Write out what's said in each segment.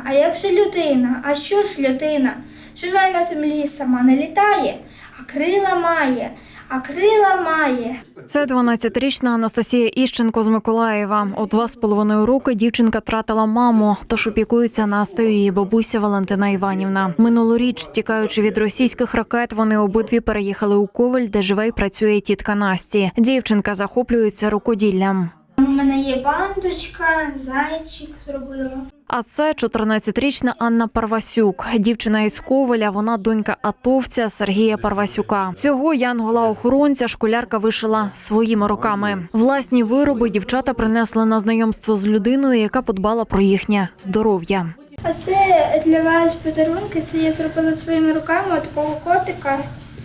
А як же людина? А що ж людина? Живе на землі, сама не літає, а крила має, а крила має. Це 12-річна Анастасія Іщенко з Миколаєва. У 2,5 роки дівчинка втратила маму, тож опікується Настею її бабуся Валентина Іванівна. Минулоріч, тікаючи від російських ракет, вони обидві переїхали у Ковель, де живе і працює тітка Насті. Дівчинка захоплюється рукоділлям. У мене є бандочка, зайчик зробила. А це 14-річна Анна Парвасюк. Дівчина із Ковеля, вона донька атовця Сергія Парвасюка. Цього янгола-охоронця школярка вишила своїми руками. Власні вироби дівчата принесли на знайомство з людиною, яка подбала про їхнє здоров'я. А це для вас подарунки, це я зробила своїми руками такого котика.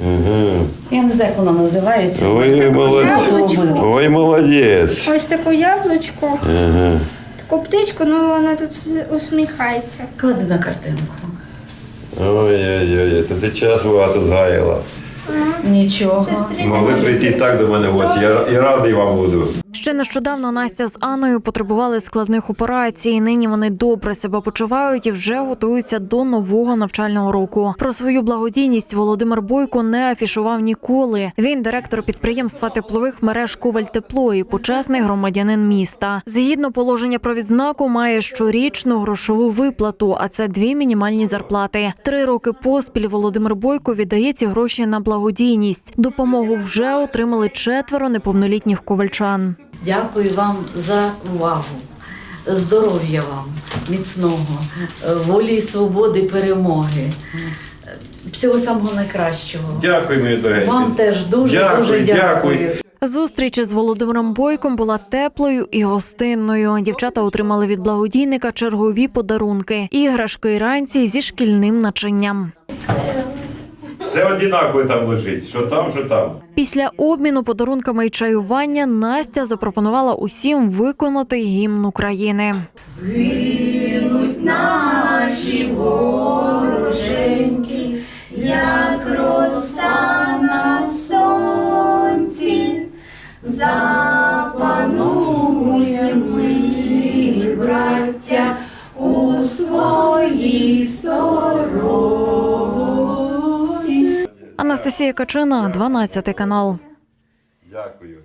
Я не знаю, як вона називається. Ой, молодець. Ось таку яблучко, таку птичку, ну вона тут усміхається. Клади на картинку. Ой-ой-ой, то ти час багато згаяла. Нічого. Могли прийти і так до мене в гості, я і радий вам буду. Ще нещодавно Настя з Анною потребували складних операцій. Нині вони добре себе почувають і вже готуються до нового навчального року. Про свою благодійність Володимир Бойко не афішував ніколи. Він директор підприємства теплових мереж «Ковель-Тепло» і почесний громадянин міста. Згідно положення про відзнаку, має щорічну грошову виплату, а це 2 мінімальні зарплати. 3 роки поспіль Володимир Бойко віддає ці гроші на благодійність. Допомогу вже отримали 4 неповнолітніх ковельчан. Дякую вам за увагу. Здоров'я вам, міцного, волі і свободи, перемоги. Всього самого найкращого. Дякую, мої дорогі. Вам теж дуже дякую. Зустріч із Володимиром Бойком була теплою і гостинною. Дівчата отримали від благодійника чергові подарунки – іграшки і ранці зі шкільним начинням. Все однаково там лежить, що там, що там. Після обміну подарунками і чаювання Настя запропонувала усім виконати гімн України. Згинуть наші вороженьки, як роса на сонці, запануємо ми, браття, у своїй сторонці. Анастасія Качина, 12 канал. Дякую.